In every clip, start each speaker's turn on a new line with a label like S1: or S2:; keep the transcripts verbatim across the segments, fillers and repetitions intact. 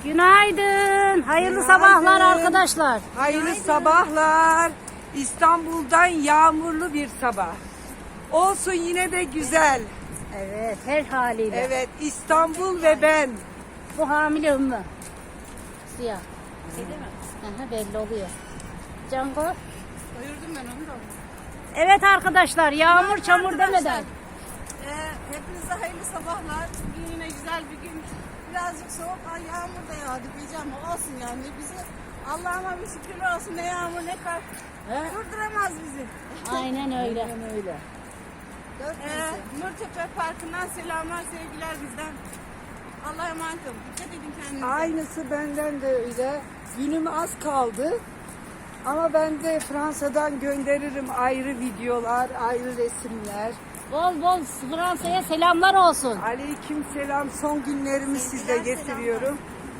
S1: Günaydın. Hayırlı sabahlar arkadaşlar.
S2: Hayırlı sabahlar. İstanbul'dan yağmurlu bir sabah. Olsun yine de güzel.
S1: Evet, her haliyle.
S2: Evet, İstanbul ve ben.
S1: Bu hamile Ümmü. Siyah. Değil mi? Aha, belli oluyor. Cango.
S3: Doyurdum ben onu da.
S1: Evet arkadaşlar, yağmur çamur demeden.
S3: Ee, hepinize hayırlı sabahlar. Bugün yine güzel bir gün. Birazcık soğuk, ay yağmur da yağdı diyeceğim ama olsun yani. Bizi Allah'ıma bir şükür olsun, ne yağmur ne kar.
S1: He?
S3: Durduramaz bizi.
S1: Aynen öyle.
S2: öyle.
S3: Ee, Nurtepe Parkı'ndan selamlar, sevgiler bizden. Allah'a emanet olun. Dikkat edin kendinize.
S2: Aynısı benden de öyle. Günüm az kaldı. Ama ben de Fransa'dan gönderirim ayrı videolar, ayrı resimler.
S1: Bol bol Fransa'ya selamlar olsun.
S2: Aleyküm selam. Son günlerimi size getiriyorum.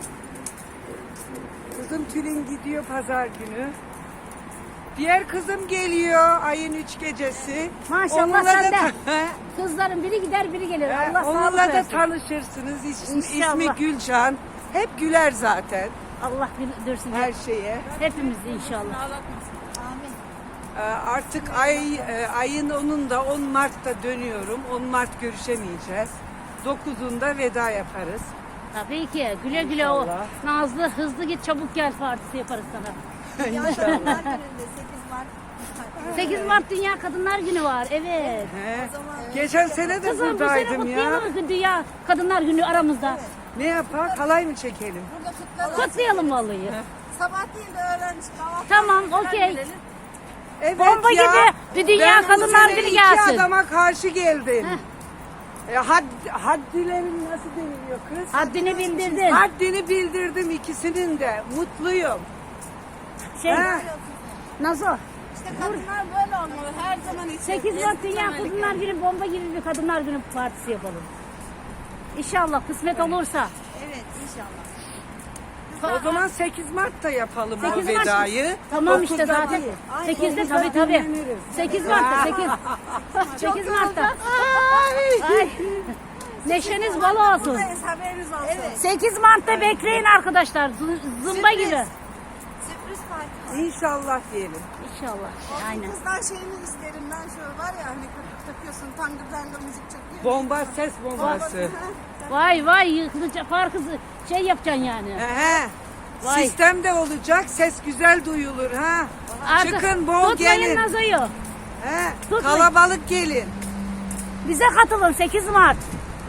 S2: Kızım Tülin gidiyor pazar günü. Diğer kızım geliyor ayın üç gecesi.
S1: Maşallah
S2: Onunla da
S1: sen de.
S2: ta-
S1: Kızların biri gider biri gelir.
S2: Ee,
S1: Allah
S2: Onunla
S1: sağlık
S2: da
S1: versin.
S2: tanışırsınız. İsmi,
S1: İnşallah.
S2: ismi Gülcan. Hep güler zaten
S1: Allah güldürsün
S2: her şeye.
S1: hepimiz inşallah.
S3: Ağlatmasın. Amin.
S2: Ee, Artık ay e, ayın onunda on Mart'ta dönüyorum. on Mart görüşemeyeceğiz. dokuzunda veda yaparız.
S1: Tabii ki güle güle o
S2: İnşallah.
S1: Nazlı hızlı git çabuk gel partisi yaparız sana.
S2: İnşallah.
S3: Gününde sekiz Mart.
S1: sekiz Mart Dünya Kadınlar Günü var. Evet.
S2: He. Geçen sene de
S1: Kızım bu sene
S2: buradaydım ya.
S1: kutlayalım mı Dünya Kadınlar Günü aramızda?
S2: Ne yapak? Halay mı çekelim?
S3: Burada kutlarız.
S1: Kutlayalım vallahi.
S3: Sabah değil de öğlen kahvaltı.
S1: Tamam, okey.
S2: Evet
S1: Bomba
S2: ya.
S1: gibi bir Dünya
S2: Ben bu
S1: Kadınlar
S2: sene
S1: Günü
S2: iki
S1: gelsin.
S2: adama karşı geldim. E, had, haddilerin nasıl deniliyor kız?
S1: Haddini bildirdin.
S2: Haddini bildirdim ikisinin de. Mutluyum.
S1: Şey,
S2: Ha.
S1: Nazo,
S3: İşte kadınlar böyle olmalı. Her zaman için.
S1: sekiz Mart Dünya Kadınlar Günü bomba gibi bir Kadınlar Günü partisi yapalım. İnşallah kısmet olursa.
S3: Evet inşallah.
S2: O zaman sekiz Mart'ta yapalım o
S1: sekiz Mart.
S2: vedayı.
S1: Tamam işte
S2: dokuzda
S1: zaten.
S2: değil.
S1: sekizde
S2: dokuzda
S1: tabii tabii.
S2: dinleniriz.
S1: sekiz Mart'ta sekiz. sekiz Mart'ta. Ay. Neşeniz bol olsun.
S3: Buradayız, haberiniz olsun. Evet.
S1: sekiz Mart'ta bekleyin arkadaşlar. Z- Zımba
S3: Sürpriz.
S1: gibi.
S3: Sürpriz parti.
S2: İnşallah diyelim.
S1: İnşallah. Aynen.
S3: Kızlar şeyini isterim ben şöyle var ya hani takıyorsun tangır tangır müzik çekiyor.
S2: Bomba ses bombası.
S1: Vay vay yıkılıca parkızı şey yapacaksın yani.
S2: He.
S1: Vay.
S2: Sistem de olacak. Ses güzel duyulur ha.
S1: Artık
S2: Çıkın bol
S1: tutmayın
S2: gelin.
S1: Nazo'yu.
S2: He.
S1: Tutmayın.
S2: Kalabalık gelin.
S1: Bize katılın sekiz Mart.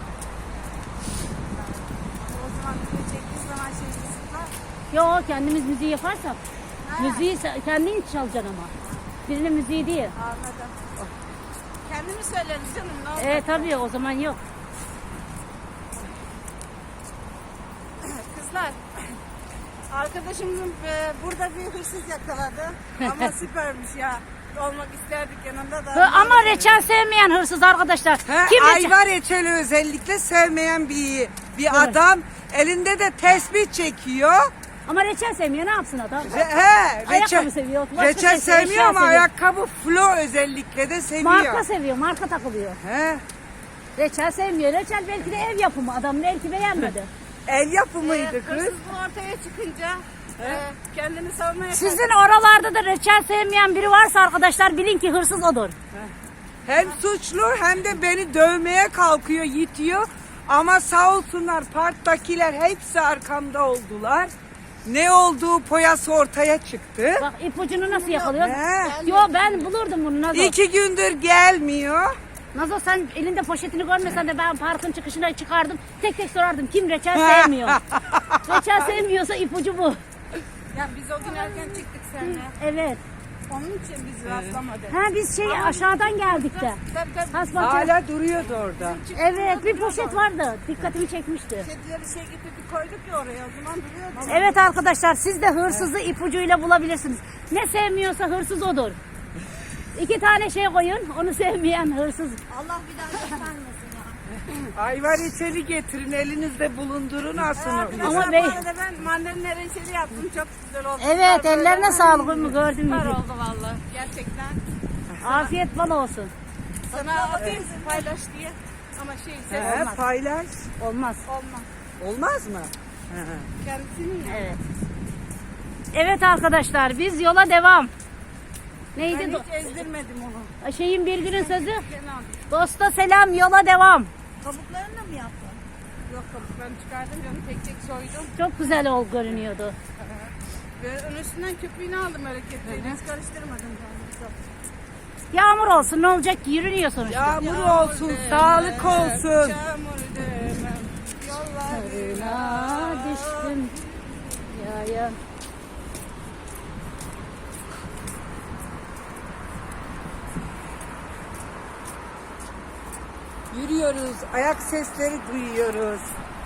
S3: O zaman bir çektiği zaman şey kısıtlar.
S1: Yo kendimiz müziği yaparsak. Müziği se- kendin çalacaksın ama. Birinin müziği değil.
S3: Anladım. Kendimi söyleriz canım ne olur.
S1: Evet tabii o zaman yok.
S3: Kızlar. Arkadaşımızın e, burada bir hırsız yakaladı. Ama süpermiş ya. Olmak isterdik yanında da.
S1: Hı, Ama reçel sevmeyen hırsız arkadaşlar.
S2: He,
S1: Kim reçel?
S2: ayva reçeli özellikle sevmeyen bir bir adam elinde de tesbih çekiyor.
S1: Ama reçel sevmiyor ne yapsın adam?
S2: Re, he,
S1: Ayakkabı
S2: reçel,
S1: seviyor, başka
S2: reçel
S1: şey seviyor,
S2: sevmiyor
S1: eşya
S2: ama
S1: seviyor.
S2: ayakkabı flo özellikle de seviyor.
S1: Marka seviyor, marka takılıyor.
S2: He,
S1: Reçel sevmiyor. Reçel belki de ev yapımı. Adam belki beğenmedi.
S2: el yapımıydı
S3: Ee,
S2: kız.
S3: hırsızlığın ortaya çıkınca e, kendini savunmaya
S1: Sizin oralarda da reçel sevmeyen biri varsa arkadaşlar bilin ki hırsız odur.
S2: Hem suçlu hem de beni dövmeye kalkıyor, yitiyor. Ama sağ olsunlar parktakiler hepsi arkamda oldular. Ne olduğu poyası ortaya çıktı.
S1: Bak ipucunu nasıl yakalıyor?
S2: He.
S1: Yo ben bulurdum bunu Nazo.
S2: İki gündür gelmiyor.
S1: Nazo sen elinde poşetini görmesen de ben parkın çıkışına çıkardım. Tek tek sorardım kim reçel sevmiyor. Reçel sevmiyorsa ipucu bu.
S3: Ya biz o gün erken çıktık seninle.
S1: Evet.
S3: Onun için biz rastlamadık.
S1: Ha biz şey aşağıdan geldik de.
S3: Tabii tabii.
S1: Hasbahçe.
S2: Hala duruyordu orada.
S1: Evet bir poşet vardı. Dikkatimi çekmişti.
S3: Kedileri şey getirdik koyduk ya oraya o zaman duruyordu.
S1: Evet arkadaşlar siz de hırsızı ipucuyla bulabilirsiniz. Ne sevmiyorsa hırsız odur. İki tane şey koyun. Onu sevmeyen hırsız.
S3: Allah bir daha göstermesin ya.
S2: Ayva reçeli getirin elinizde bulundurun asın onu.
S1: Ama
S3: Ama
S1: bey-
S3: bu arada ben mandalina reçeli yaptım çok güzel oldu.
S1: Evet
S3: Süper
S1: ellerine
S3: böyle.
S1: sağlık mı gördün
S3: Süper
S1: mü?
S3: oldu valla gerçekten.
S1: Afiyet bal olsun.
S3: Sana atayım paylaş diye. Ama şey ses
S2: He,
S3: olmaz.
S2: paylaş.
S1: Olmaz.
S3: Olmaz.
S2: Olmaz mı?
S3: Kendisinin ya.
S1: Evet. Evet arkadaşlar biz yola devam. Neydi?
S3: Ben
S1: do-
S3: hiç ezdirmedim onu.
S1: Şeyin bir günün sözü.
S3: Kenan.
S1: Dosta selam yola devam.
S3: Kabuklarını mı yaptın? Yok kabuklarını çıkardım canım tek tek soydum.
S1: Çok güzel ol görünüyordu.
S3: Ve onun üstünden köpüğünü aldım öyle kepçeyle. Hiç karıştırmadım canım.
S1: Yağmur olsun ne olacak ki yürünüyor sonuçta.
S2: Yağmur olsun, sağlık olsun.
S3: Çamur demem. Yollarına
S1: Aa, düştüm. Ya ya.
S2: Yürüyoruz, ayak sesleri duyuyoruz.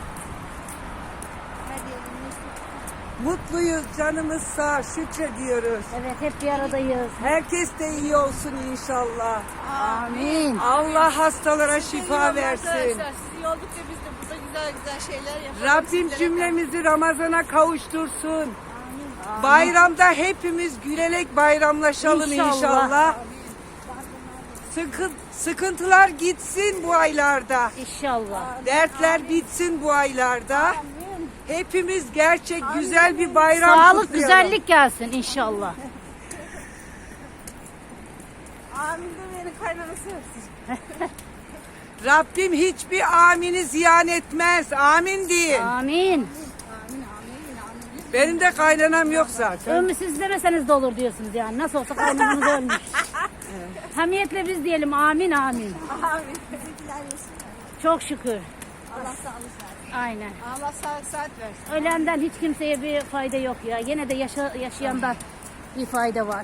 S2: Mutluyuz, canımız sağ, şükrediyoruz.
S1: Evet hep bir aradayız.
S2: Herkes de iyi olsun inşallah.
S1: Amin.
S2: Allah hastalara şifa versin.
S3: Arkadaşlar siz iyi oldukça biz de burada güzel güzel şeyler yapalım.
S2: Rabbim
S3: Sizlere-
S2: cümlemizi Ramazan'a kavuştursun. Bayramda hepimiz gülerek bayramlaşalım
S1: İnşallah.
S2: inşallah. Sıkı, sıkıntılar gitsin bu aylarda.
S1: İnşallah.
S2: Dertler bitsin bu aylarda. Hepimiz gerçek güzel bir bayram
S1: Sağlık
S2: kutlayalım.
S1: güzellik gelsin inşallah.
S3: Amin de beni kaynanası yapsın.
S2: Rabbim hiçbir amini ziyan etmez. Amin deyin.
S1: Amin.
S2: Benim de kaynanam yok zaten.
S1: Ömrü siz demeseniz de olur diyorsunuz yani. Nasıl olsa kaynımız ölmüş. Hamiyetle biz diyelim amin amin.
S3: Amin. Bizimkiler yesin.
S1: Çok şükür.
S3: Allah sağlık versin.
S1: Aynen.
S3: Allah sağlık saat versin.
S1: Ölenden hiç kimseye bir fayda yok ya. Yine de yaşa, yaşayandan bir fayda var.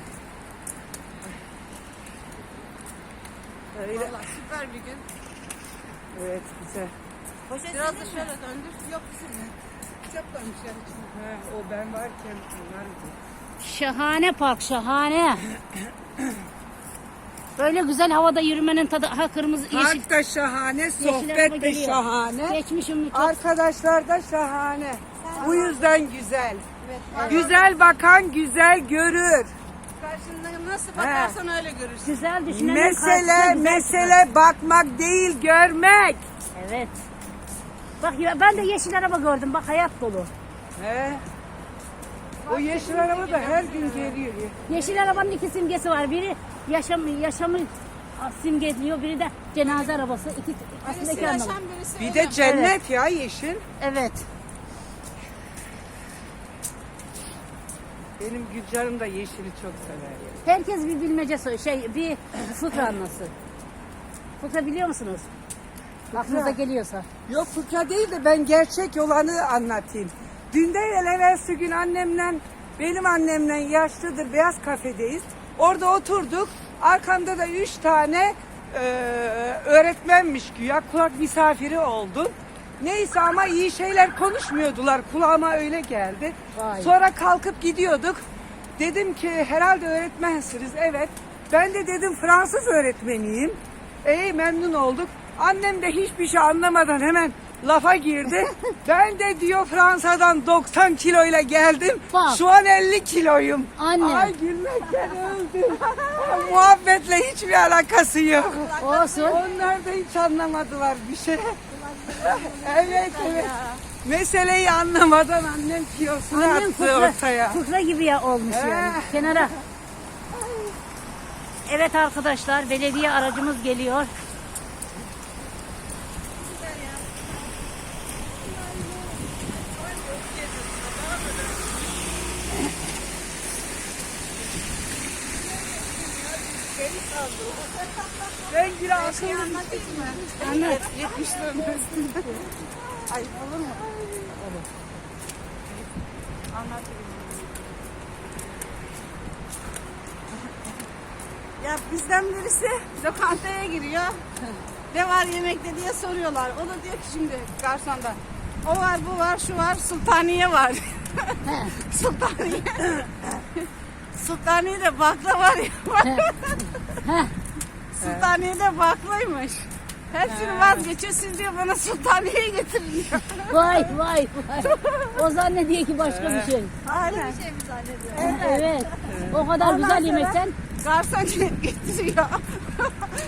S2: Öyle.
S3: Valla süper bir gün.
S2: Evet güzel.
S3: Biraz da şöyle döndür. Yok bizim. Çok koymuş yani.
S2: He, o ben varken bunlar
S1: Şahane park şahane. Böyle güzel havada yürümenin tadı. Ha kırmızı yeşil.
S2: Park da şahane,
S1: yeşil araba
S2: sohbet de
S1: geliyor.
S2: şahane.
S1: Geçmişim mi çok?
S2: Arkadaşlar da şahane. Bu yüzden güzel.
S3: Evet.
S2: Güzel bakan güzel görür.
S3: Karşında nasıl bakarsan öyle görürsün.
S1: Güzel düşünenin karşısına
S2: Mesele
S1: güzel
S2: mesele bakmak değil görmek.
S1: çıkar. Evet. Bak ya ben de yeşil araba gördüm. Bak hayat dolu.
S2: He. O yeşil araba da her gün geliyor.
S1: Yeşil arabanın iki simgesi var. Biri yaşam yaşamı simgeliyor. Biri de cenaze arabası. İki aslında
S3: Birisi
S1: iki anlamı.
S3: yaşam birisi
S2: Bir
S3: ölüm.
S2: de cennet ya yeşil.
S1: Evet.
S2: Benim Gülcan'ım da yeşili çok sever.
S1: Herkes bir bilmece sor- şey bir fıkra anlasın. Fıkra biliyor musunuz? Aklınıza geliyorsa.
S2: Yok fıkra değil de ben gerçek olanı anlatayım. Dün değil evvelsi gün annemle, benim annemle yaşlıdır beyaz kafedeyiz. Orada oturduk. Arkamda da üç tane e, öğretmenmiş güya kulak misafiri oldum. Neyse ama iyi şeyler konuşmuyordular. Kulağıma öyle geldi.
S1: Vay.
S2: Sonra kalkıp gidiyorduk. Dedim ki herhalde öğretmensiniz. Evet. Ben de dedim Fransız öğretmeniyim. İyi memnun olduk. Annem de hiçbir şey anlamadan hemen lafa girdi. Ben de diyor Fransa'dan doksan kiloyla geldim.
S1: Bak.
S2: Şu an elli kiloyum.
S1: Anne.
S2: Ay gülmekten öldüm. Muhabbetle hiçbir alakası yok.
S1: Olsun.
S2: Onlar da hiç anlamadılar bir şey. Evet evet. Meseleyi anlamadan annem kilosunu
S1: Annem
S2: attı
S1: fıkra,
S2: ortaya.
S1: fıkra gibi ya olmuş yani.
S2: He.
S1: Kenara. Evet arkadaşlar belediye aracımız geliyor.
S2: Ben bir akıllı
S3: Anlatayım mı?
S1: Anlat.
S3: yetmişlerin üstünde. Ayıp olur mu? Olur. Anlatayım. Ya bizden birisi lokantaya giriyor. Ne var yemekte diye soruyorlar. O da diyor ki şimdi garsonda. O var, bu var, şu var, sultaniye var. Sultaniye. Sultaniye'de bakla var ya. Sultaniye'de baklaymış. Hepsini vazgeçiyor. Siz diyor bana sultaniyeyi getirin diyor.
S1: Vay vay vay. O zannediyor ki başka bir şey.
S3: Aynen. Bir şey mi zannediyor?
S1: Evet. O kadar
S3: Ondan
S1: güzel
S3: sonra-
S1: yemekten
S3: Garson getiriyor.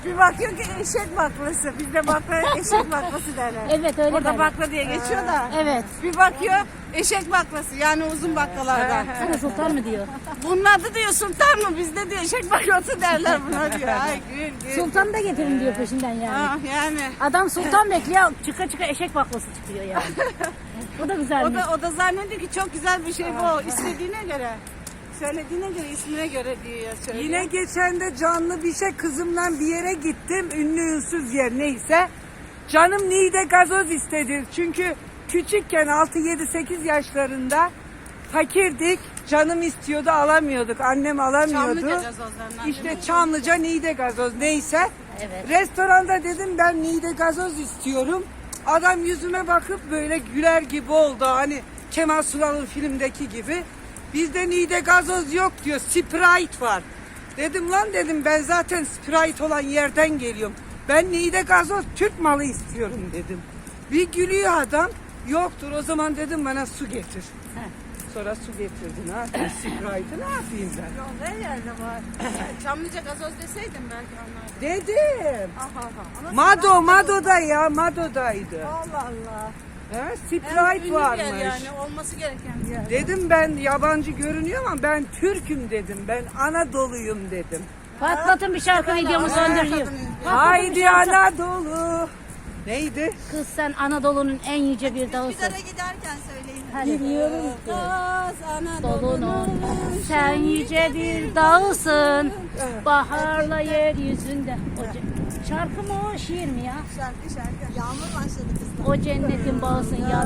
S3: Bir bakıyor ki eşek baklası. Bizde bakla eşek baklası derler.
S1: Evet, öyle
S3: Burada
S1: derler.
S3: bakla diye geçiyor da.
S1: Evet.
S3: Bir bakıyor eşek baklası yani uzun baklalardan.
S1: Sana sultan mı diyor?
S3: Bunun adı diyor sultan mı? Bizde diyor eşek baklası derler buna diyor. Ay gül gül.
S1: Sultan da getirin diyor peşinden yani.
S3: Ah, yani.
S1: Adam sultan bekliyor, çıka çıka eşek baklası çıkıyor yani. Bu da
S3: O
S1: güzelmiş.
S3: da, o da zannediyor ki çok güzel bir şey bu. İstediğine göre. Söylediğine göre, ismine göre diyor. Söylüyor.
S2: Yine geçen de canlı bir şey kızımla bir yere gittim. Ünlü ünsüz yer neyse. Canım Niğde gazoz istedi. Çünkü küçükken altı yedi sekiz yaşlarında fakirdik. Canım istiyordu alamıyorduk. Annem alamıyordu.
S3: Çamlıca gazozlarından.
S2: İşte Çamlıca Niğde gazoz neyse.
S1: Evet.
S2: Restoranda dedim ben Niğde gazoz istiyorum. Adam yüzüme bakıp böyle güler gibi oldu. Hani Kemal Sunal'ın filmdeki gibi. Bizde Niğde gazoz yok diyor. Sprite var. Dedim lan dedim ben zaten Sprite olan yerden geliyorum. Ben Niğde gazoz Türk malı istiyorum dedim. Bir gülüyor adam. Yoktur o zaman dedim bana su getir. Sonra su getirdi. Ne yapayım Sprite'ı ne yapayım ben?
S3: Yolda her yerde var. Çamlıca gazoz deseydim belki anlardım.
S2: Dedim.
S3: Aha aha. Ama
S2: Mado, Mado'da ya, Mado'daydı.
S3: Allah Allah.
S2: He,
S3: En
S2: Sprite
S3: ünlü
S2: varmış.
S3: bir yer yani olması gereken bir yer.
S2: Dedim ben yabancı görünüyor ama ben Türk'üm dedim. Ben Anadolu'yum dedim.
S1: Patlatın bir şarkı videomu söndürüyor.
S2: Haydi Anadolu. Neydi?
S1: Kız sen Anadolu'nun en yüce bir dağısın.
S3: Üsküdar'a giderken söyleyin.
S1: Hadi.
S2: Bilmiyorum ki.
S3: Kız
S1: Dolunun
S3: Anadolu'nun
S1: sen yüce bir dağısın. Baharla yeryüzünde. O ce- şarkı mı o şiir mi ya?
S3: Şarkı şarkı. Yağmur başladı kızlar.
S1: O cennetin bağısın ya.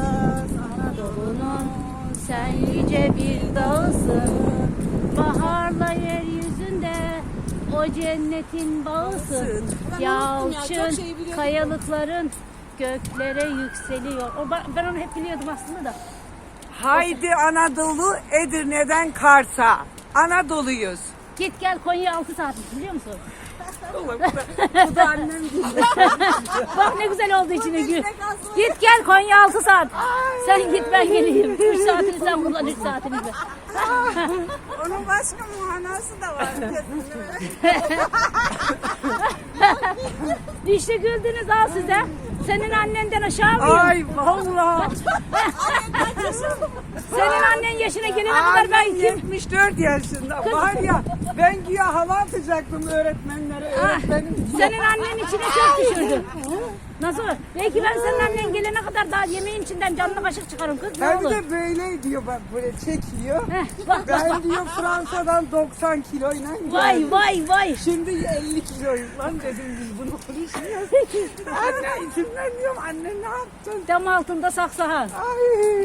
S1: Anadolu'nun sen yüce bir dağısın. Baharla yeryüzünde o cennetin bağısın.
S3: Ben unuttum ya, çok
S1: Yalçın
S3: şey biliyordum.
S1: kayalıkların göklere yükseliyor. O, ba- ben onu hep biliyordum aslında da.
S2: Haydi Anadolu Edirne'den Kars'a. Anadolu'yuz.
S1: Git gel Konya altı saatmiş biliyor musun?
S2: Bu da annem gibi.
S1: Bak ne güzel oldu içine gül. Git gel Konya altı saat. Sen git ben geleyim. üç saatini sen kullan üç saatini de.
S3: Onun başka muhanası da var.
S1: İşte güldünüz al size. Senin annenden aşağı mıyım?
S2: Ay vallahi.
S1: Senin annen yaşına gelene kadar ben
S2: Annem
S1: kim?
S2: yetmiş dört yaşında. Var ya ben güya hava atacaktım öğretmenlere. Öğretmenim
S1: Senin annen içine çok düşürdü. Nasıl? Belki ben senin annen gelene kadar daha yemeğin içinden canlı kaşık çıkarım kız ne
S2: hem
S1: olur.
S2: de böyle diyor bak böyle çekiyor.
S1: Heh, bak bak
S2: Ben
S1: bak.
S2: diyor Fransa'dan doksan kiloyla
S1: Vay
S2: geldim.
S1: vay vay.
S2: Şimdi elli kiloyuz lan dedim biz bunu konuşmuyoruz. Anne içimden diyorum anne ne yaptın?
S1: Dam altında saksahan.
S2: Ay.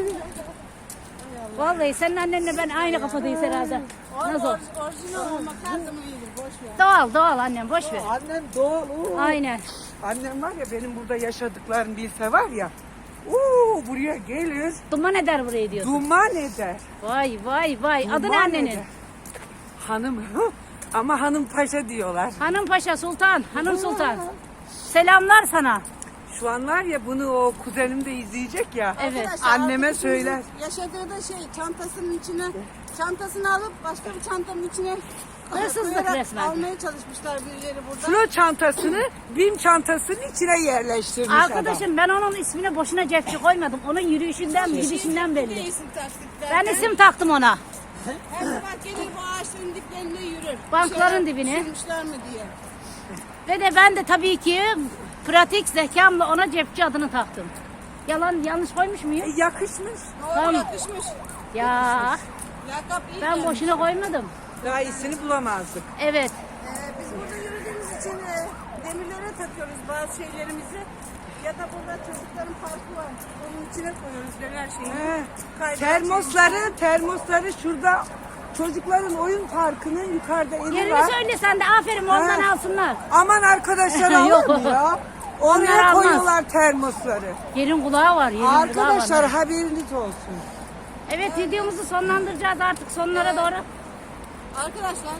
S1: Vallahi senin annenle ben aynı kafadayız herhalde. Nasıl?
S3: Orijinal olmak her zaman iyidir. Boş ver.
S1: Doğal doğal annem boş ver.
S2: Annem doğal. oo.
S1: Aynen.
S2: Annem var ya benim burada yaşadıklarım bilse var ya. Oo, buraya gelir
S1: Duman eder burayı diyorsun.
S2: duman eder.
S1: Vay vay vay. Adı ne
S2: Duman
S1: annenin?
S2: eder. Hanım ama hanım paşa diyorlar.
S1: Hanım Paşa Sultan. Hanım Sultan. Selamlar sana.
S2: Şu an var ya bunu o kuzenim de izleyecek ya.
S1: Evet.
S2: Anneme söyler.
S3: Yaşadığı da şey çantasının içine çantasını alıp başka bir çantanın içine
S1: Hırsızlık
S3: koyarak
S1: resmen.
S3: almaya çalışmışlar birileri burada.
S2: Flo çantasını BİM çantasının içine yerleştirmiş adam.
S1: Arkadaşım ben onun ismine boşuna cepçi koymadım. Onun yürüyüşünden, gidişinden belli.
S3: Değilsin taktikler.
S1: Ben isim taktım ona.
S3: Her sabah gelir bu ağaçların diplerinde yürür.
S1: Bankların
S3: Şöyle
S1: dibine.
S3: sürmüşler mi diye.
S1: Ve de ben de tabii ki pratik zekamla ona cepçi adını taktım. Yalan yanlış koymuş muyum?
S2: E, yakışmış.
S3: Doğru
S1: Tamam.
S3: yakışmış.
S1: Ya
S3: Lakap iyi
S1: ben
S3: gelmiş.
S1: boşuna koymadım.
S2: Daha iyisini bulamazdık.
S1: Evet.
S3: Ee, biz burada yürüdüğümüz için e, demirlere takıyoruz bazı şeylerimizi. Ya da burada çocukların parkı var. Onun içine koyuyoruz her şeyi.
S2: He.
S3: Kaydırak
S2: Termosları, termosları şurada çocukların oyun parkının yukarıda evi
S1: Yerini
S2: var.
S1: söyle sen de aferin ondan
S2: Ha.
S1: alsınlar.
S2: Aman arkadaşlar
S1: Yok.
S2: alır mı ya?
S1: Onlar
S2: Oraya
S1: almaz.
S2: koyuyorlar termosları.
S1: Yerin kulağı var. Yerin kulağı
S2: Arkadaşlar
S1: var.
S2: haberiniz olsun.
S1: Evet videomuzu sonlandıracağız artık sonlara doğru.
S3: Arkadaşlar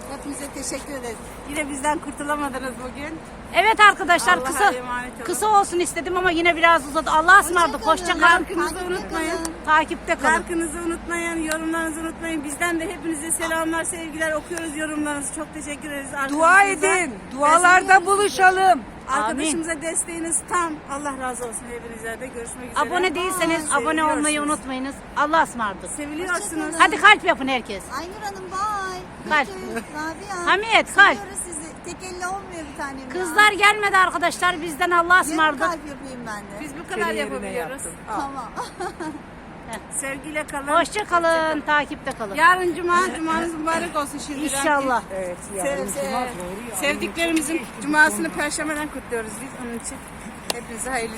S3: Hepinize teşekkür ederiz. Yine bizden kurtulamadınız bugün.
S1: Evet arkadaşlar
S3: Allah'a
S1: kısa
S3: emanet olun.
S1: kısa olsun istedim ama yine biraz uzadı. Allah'a ısmarladık. Hoşça kalın.
S3: Like'ınızı unutmayın.
S1: Takipte kalın.
S3: Like'ınızı unutmayın, yorumlarınızı unutmayın. Bizden de hepinize selamlar, sevgiler. Okuyoruz yorumlarınızı. Çok teşekkür ederiz.
S2: Dua
S3: Arkadaşımıza-
S2: edin. Dualarda buluşalım.
S3: Arkadaşımıza desteğiniz tam. Allah razı olsun hepinize de. Görüşmek üzere.
S1: Abone değilseniz
S3: Aa,
S1: abone olmayı
S3: seviliyorsunuz.
S1: unutmayınız. Allah'a ısmarladık.
S3: Seviliyorsunuz.
S1: Hadi kalp yapın herkes.
S4: Aynur Hanım bay.
S1: Kalp.
S4: Rabia.
S1: Hamiyet, kalp.
S4: Seviyoruz sizi. Tek elle olmuyor bir tanem ya.
S1: Kızlar gelmedi arkadaşlar. Bizden Allah'a
S4: Yarım
S1: ısmarladık.
S4: kalp yapayım ben de.
S3: Biz bu kadar
S2: Senin yerine
S3: yapabiliyoruz.
S2: yaptım. Al.
S4: Tamam.
S3: Sevgiyle kalın.
S1: Hoşça kalın. Takipte kalın.
S3: Yarın cuma, cumanız mübarek olsun şimdiden.
S1: İnşallah.
S2: Evet,
S3: Sev-
S2: yarın
S3: sev-
S2: cuma doğru ya.
S3: sevdiklerimizin cumasını perşembeden kutluyoruz biz onun için. Hepinize hayırlı